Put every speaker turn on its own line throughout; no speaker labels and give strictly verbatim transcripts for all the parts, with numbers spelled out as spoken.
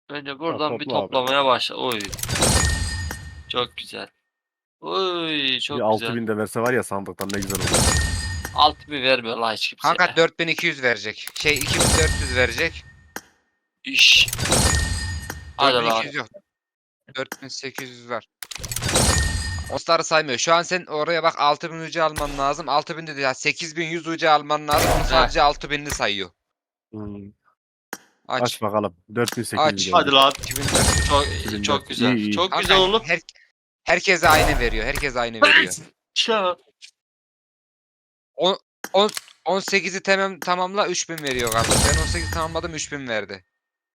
Önce
Tamam,
buradan bir
topla abi.
toplamaya başla. Oy. Çok güzel. Oy
Bir
çok
altı
güzel.
bin de verse var ya sandıktan ne güzel olur.
Altı bir vermiyor la hiç kimse.
Kanka dört bin iki yüz verecek. Şey iki bin dört yüz verecek.
İş. Hadi lan.
dört bin iki yüz yok. dört bin sekiz yüz var. Osları saymıyor. Şu an sen oraya bak altı bin U C alman lazım. altı bin dedi ya sekiz bin yüz U C alman lazım. Onu
Heh.
sadece altı binli sayıyor.
Hmm. Aç
Aç.
bakalım. dört bin sekiz yüz
Aç.
geldi.
Hadi lan.
iki bin dört yüz.
Çok
iki bin
çok
dört.
güzel.
İyi iyi.
Çok
Kanka
güzel oğlum.
her, herkese aynı veriyor. Herkese aynı veriyor.
Şu.
On, on, on sekizi tamam, tamamla üç bin veriyor kardeş. Ben on sekizi tamamladım üç bin verdi.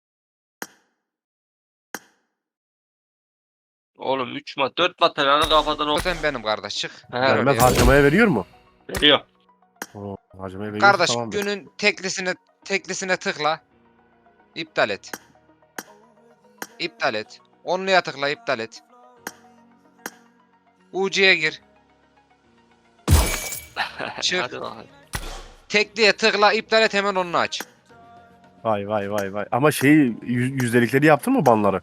Oğlum üç mat dört materyali kafadan o.
Zaten benim kardeş çık.
He.
Ver
Vermez,
oraya.
harcamaya veriyor mu?
Veriyor.
Oo, harcamaya veriyorsa
Kardeş
tamamdır.
günün teklisine teklisine tıkla. İptal et. İptal et. Onluya tıkla iptal et. U C'ye gir. Çık.
Hadi bakalım.
Tekliye tıkla iptal et hemen onu aç.
Vay vay vay vay. Ama şeyi yüz, yüzdelikleri yaptın mı banları?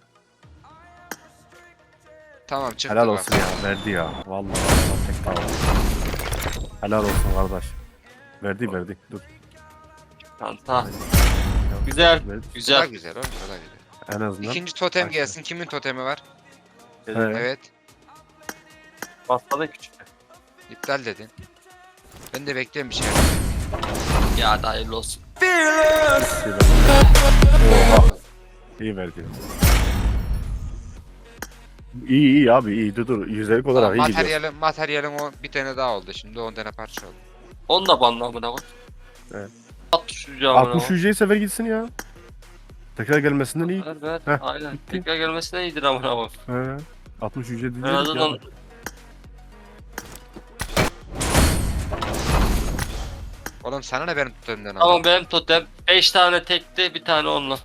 Tamam çıktı
Helal
bak.
olsun ya. Verdi ya. Vallahi Allah tek tamam. Helal olsun kardeş. Verdi verdi. Dur.
Tanta. Güzel.
Verdi.
Bu da
Güzel.
güzel oğlum bu da güzel.
En azından.
İkinci totem
Başla.
gelsin. Kimin totemi var?
Evet.
Evet.
Bastada küçük.
İptal dedin. Ben de bekliyorum bir şey.
Ya da hayırlı olsun.
Oha. İyi verdi. İyi iyi abi iyi dur dur. Yüzdelik olarak iyi gidiyor.
Materyalin, materyalin o bir tane daha oldu şimdi on tane parça oldu.
Onu da banla amına koy.
Evet.
altmış yüce amına
altmış
koy.
yüzeye sefer gitsin ya. Tekrar gelmesinden iyi.
Ver ver.
Heh,
Aynen.
bitti.
Tekrar gelmesine iyidir amına koy.
He. altmış yüce
En
diyeceğiz
azından
ya.
Oğlum sana ne benim totemden ama.
tamam benim totem beş tane tekti bir tane onunla.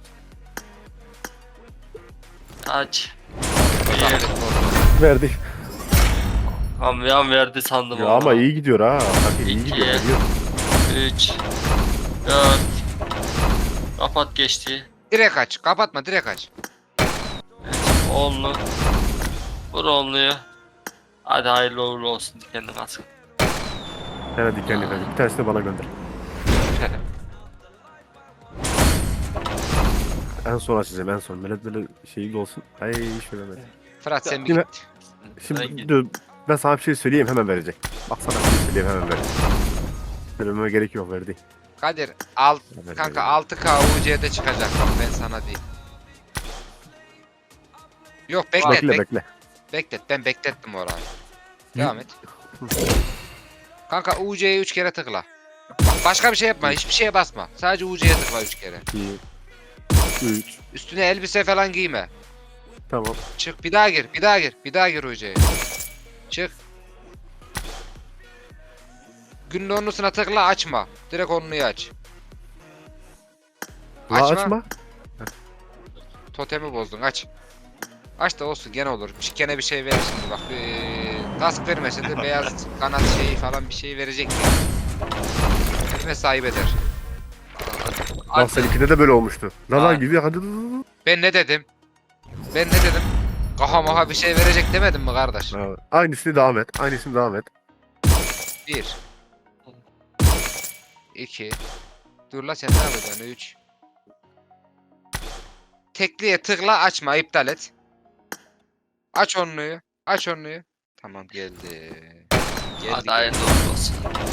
Aç. Bir.
Verdi.
Kamyon verdi sandım
Ya
ona.
ama iyi gidiyor ha. Hadi iyi
İki.
gidiyor. Gidiyor.
üç. dört. Kapat geçti.
Direkt aç. Kapatma direkt aç.
Onlu. Vur onluyu. Hadi hayırlı uğurlu olsun dikenli kaskı.
Evet dikenli verdi. Bir tanesini de bana gönder. En son açacağım en son. Melek böyle şeyi de olsun. Ay şöyle böyle.
Fırat sen bir
Yine-
git.
Şimdi
Peki.
dur, ben sana bir şey söyleyeyim hemen verecek. Bak sana bir şey söyleyeyim hemen verecek. Söylememe gerek yok verdi.
Kadir alt
Hemen
kanka
verecek.
altı K U C'de çıkacak bak ben sana diyeyim. Yok beklet
Bekle
bek-
bekle.
beklet ben beklettim orayı. Devam et. Kanka U C'ye üç kere tıkla. Bak başka bir şey yapma hiçbir şeye basma. Sadece U C'ye tıkla üç kere.
iki, üç.
Üstüne elbise falan giyme.
Tamam.
Çık bir daha gir bir daha gir bir daha gir U C'ye. Çık. Günün onlusuna tıkla açma. Direkt onluyu aç.
La
Açma.
açma.
Totemi bozdun aç. Aç da olsun gene olur. Bir- Gene bir şey verir şimdi bak. Ee, kask vermese de beyaz kanat şeyi falan bir şey verecek ya. Elime sahip eder.
Bak seninkide de böyle olmuştu. La
Ha.
la gidiyor hadi. dur, dur, dur.
Ben ne dedim? Ben ne dedim? Kaha maha bir şey verecek demedim mi kardeş?
Ha, aynısını devam et. Aynısını devam et.
Bir. İki. Dur la sen ne yapacaksın? Üç. Tekliye tıkla açma iptal et. Aç onluyu. Aç onluyu. Tamam geldi. Geldi.
Hadi
geldi.
hayırlı uğurlu olsun.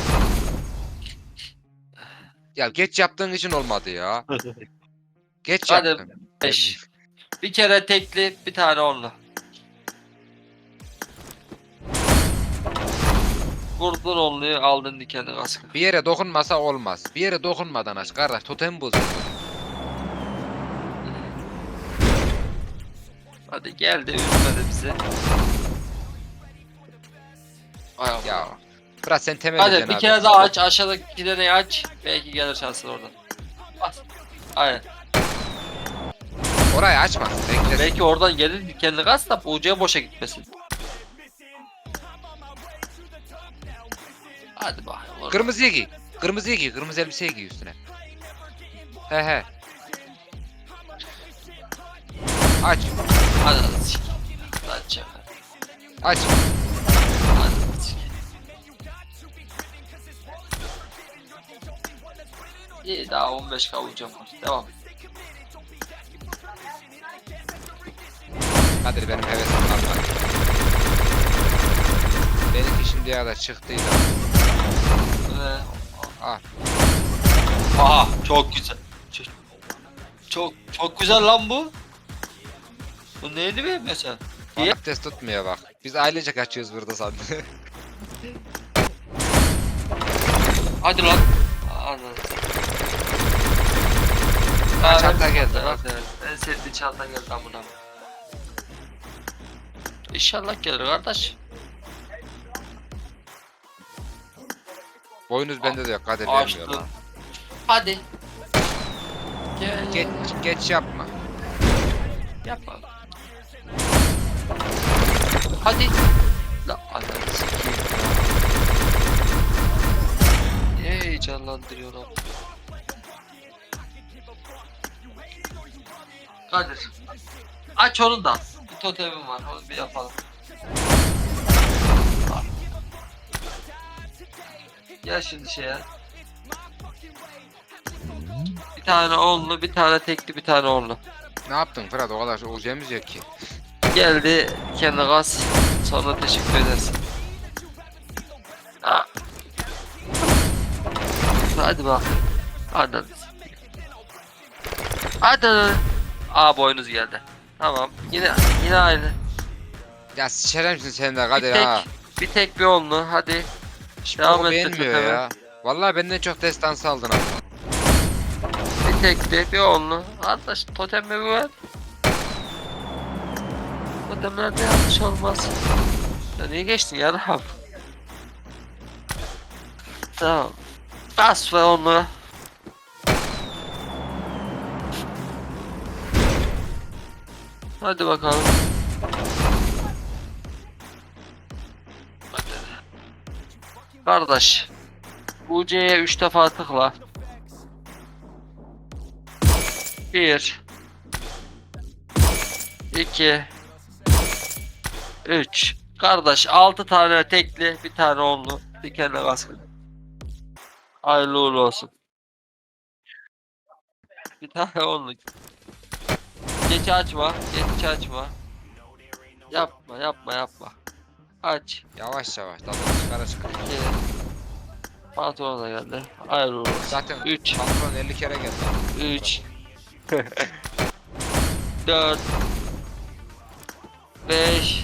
Ya geç yaptığın için olmadı ya. Geç
Hadi.
yaptın.
beş. Bir kere tekli bir tane onlu. Vurdun onluyu aldın dikenli kaskı.
Bir yere dokunmasa olmaz. Bir yere dokunmadan aç kardeş. Totem bozuyor.
Hadi geldi üzmedi bizi. Ay Allah.
Ya. Fırat sen temel
Hadi
edeceksin
bir
abi.
kere daha aç aşağıdaki iki taneyi aç. Belki gelir şansın oradan. Bas. Aynen.
Orayı açmaz. Beklesin.
Belki oradan gelir dikenli kask da U C'ye boşa gitmesin. Hadi bakalım.
Kırmızıyı giy. Kırmızıyı giy. Kırmızı elbiseyi giy üstüne. He he. Aç.
Hadi hadi sik. Aç ya.
Aç.
Hadi sik. İyi daha on beş kavucam var. Devam.
Kadir benim hevesim kalmadı. Benimki şimdiye kadar çıktıydı.
Ve...
Al.
Aha çok güzel. Çok çok, çok güzel lan bu. Bu neydi be mesela? İyi.
Abdest tutmuyor bak. Biz ailece kaçıyoruz burada sandım.
Hadi lan. Anladım.
Ha, çanta geldi bak.
Evet, evet. En sevdiği çanta geldi lan buna. İnşallah gelir kardeş.
Boynuz bende de yok. Kadir vermiyor
Açtım.
lan.
Hadi. Gel.
Geç, geç yapma.
Yapma. Hadi. La ananı sikeyim. Niye heyecanlandırıyor lan? Kadir. Aç onu da. Bir totemim var. Onu bir yapalım. Al. Gel şimdi şeye. Bir tane onlu, bir tane tekli, bir tane onlu.
Ne yaptın Fırat? O kadar olacağımız yok ki.
Geldi kendi gaz. Sonra teşekkür edersin. Ha. Hadi bak. Hadi. Hadi. Aa boynuz geldi. Tamam. Yine yine aynı.
Ya sıçarım sen de
Bir
Kadir
tek,
ha.
bir tek bir onlu. Hadi.
Hiç
devam
boku
et
beğenmiyor
lütfen.
ya. Vallahi benden çok destansı aldın abi.
Bir tek de bir onlu. Arkadaş totem mi var? Totemlerde yanlış olmaz. Ya niye geçtin ya Rahab? Tamam. Bas ve onlu. Hadi bakalım. Hadi. Kardeş. U C'ye üç defa tıkla. bir iki üç Kardeş altı tane tekli, bir tane onlu, dikenli kaskı. Hayırlı uğurlu olsun. Bir tane onlu. Geç açma, geç açma. Yapma, yapma, yapma. Aç.
Yavaş yavaş. Tadı çıkara çıkara.
iki Pantolon da geldi. Hayırlı uğurlu olsun.
Zaten
üç
patron elli kere geldi.
üç dört beş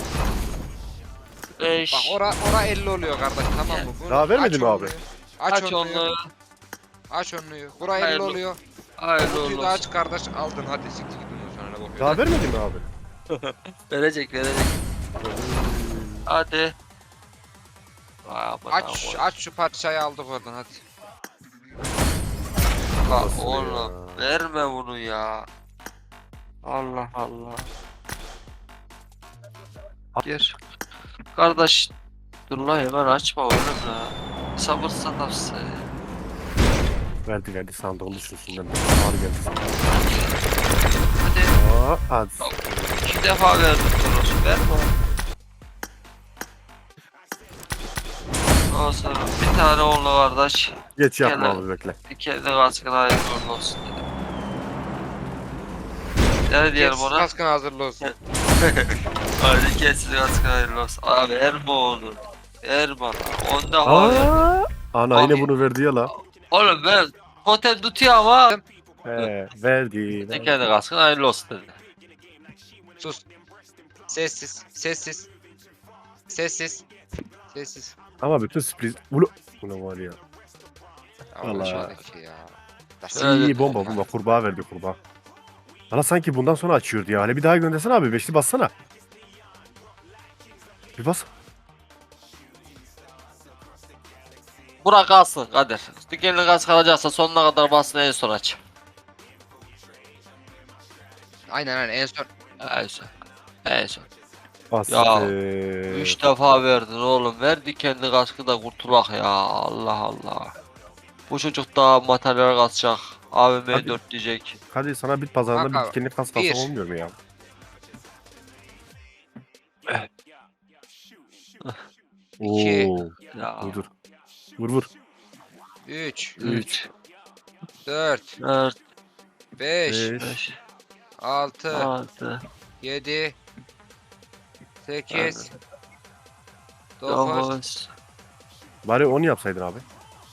beş
Bak ora ora elli oluyor kardeş tamam mı? Bunu
Daha vermedi
aç
mi abi?
onluyu. Aç,
Aç
onluyu.
onu.
Aç onluyu. Bura elli
Hayırlı-
oluyor.
Hayırlı
Kutuyu
uğurlu
da
olsun.
aç kardeş aldın hadi siktir git ondan sonra ne bakıyorsun?
Daha vermedi mi abi?
Verecek verecek. Hadi. Vay aman
Aç
aman.
aç şu parçayı aldık oradan hadi.
Bak
Nasıl
oğlum
ya?
verme bunu ya. Allah Allah. Gir. Kardeş dur la hemen açma oğlum ya. Sabır satapsın.
Verdi verdi sandığın düşünsünden. Ağır geldi sandım.
Hadi.
Aa, hadi.
İki defa verdim Toros. Verme oğlum. Ondan sonra bir tane onlu kardeş.
Geç yapma
Gel
abi bekle.
Kendi kaskına hayırlı uğurlu olsun dedim. Ne diyelim
Geç,
ona?
kaskın hazırlı olsun.
Hadi kesin kaskına hayırlı olsun. Abi Erma onu. Erma. Onda var ya.
Aa, ana
Abi.
yine bunu verdi ya la.
Oğlum ben totem tutuyor ama.
He, verdi.
Ne kendi kaskına hayırlı olsun dedi.
Sus. Sessiz. Sessiz. Sessiz. Sessiz.
Ama bütün sürpriz... Ulu... Ulan var ya.
Allah
Vallahi.
şuradaki ya.
Evet.
İyi bomba bomba kurbağa verdi kurbağa. Bana sanki bundan sonra açıyordu ya. Hele bir daha göndersene abi. Beşli bassana. Bir bas.
Burak kalsın Kadir. Dikenli kask kalacaksa sonuna kadar basın en son aç.
Aynen aynen en son.
En son. En son.
Bas.
Ya,
Ee,
Üç defa verdin oğlum. Ver dikenli kaskı da kurtulak ya. Allah Allah. Bu çocuk daha materyal kasacak. A V M
Hadi.
dört diyecek.
Hadi sana bit pazarında
Kanka,
bir dikenli kas
bir.
kalsam olmuyor mu ya?
İki.
Oo.
Ya.
Dur dur. Vur vur.
üç,
üç,
dört,
dört,
beş,
Beş.
beş,
altı,
altı,
yedi, sekiz, dokuz,
dokuz.
Bari onu yapsaydın abi.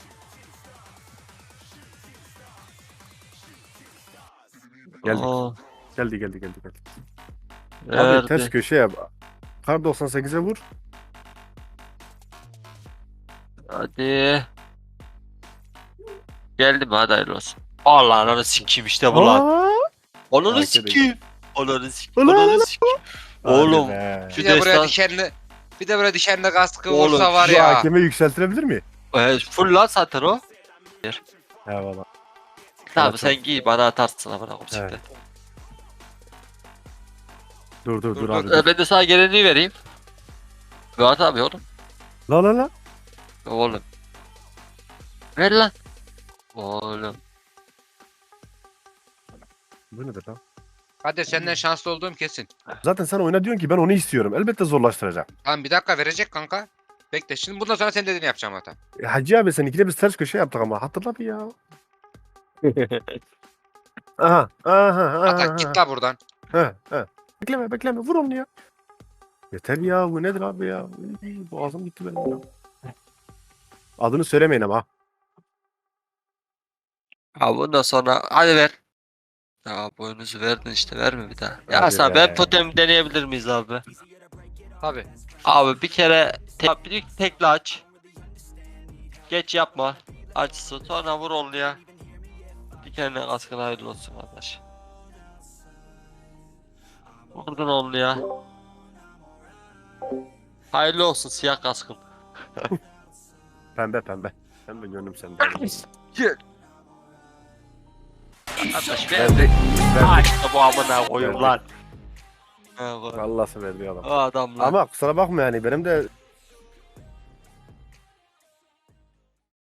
Geldik.
on.
Geldi geldi geldi geldi. Abi
Verdi.
ters köşe yap. Kar doksan sekize vur.
Hadi. Geldi mi? Hadi hayırlı olsun. Allah ananı sikeyim işte bu lan.
Aa!
Ananı
Arkada-
sikeyim. Ananı sikeyim.
Ulan,
Ananı
ulan.
sikeyim.
Hadi
Oğlum.
be.
bir de buraya
destan-
dikenli bir de buraya dikenli kaskı
Oğlum,
vursa var
Şu
ya.
hakemi yükseltilebilir mi?
E, full lan zaten o.
Eyvallah.
Tamam
Evet,
sen giy bana atarsın amına koyayım
Evet.
siktir.
Dur dur dur,
Dur,
abi.
E,
Dur.
ben de sana gelenliği vereyim. Ver abi oğlum.
La la la.
Oğlum. Ver lan. Oğlum.
Bu nedir lan?
Hadi senden şanslı olduğum kesin.
Zaten sen oyna diyorsun ki ben onu istiyorum. Elbette zorlaştıracağım.
Tamam bir dakika verecek kanka. Bekle şimdi bundan sonra senin dediğini yapacağım hatta.
E, Hacı abi seninkine biz ters köşe yaptık ama hatırla bir ya. Aha aha aha.
Hatta git la buradan.
Ha, ha. Bekleme bekleme vur onu ya. Yeter ya bu nedir abi ya. Uy, boğazım gitti benim ya. Adını söylemeyin ama.
Ha bundan sonra hadi ver. Ya boynuzu verdin işte verme bir daha. Ya
Hadi
sen
be.
ben totem deneyebilir miyiz abi?
Tabi.
Abi bir kere te bir tekli aç. Geç yapma. Açsın sonra vur onu ya. Dikenle kaskın hayırlı olsun kardeş. Vurdun onu ya. Hayırlı olsun siyah kaskın.
Pembe pembe. Pembe gönlüm sende.
Gel. Kardeş
Verdi.
verdi. Ha
Verdi.
işte bu amına koyayım
Verdi.
lan. Ha, koy.
Vallahi verdi adam.
O adam lan.
Ama kusura bakma yani benim de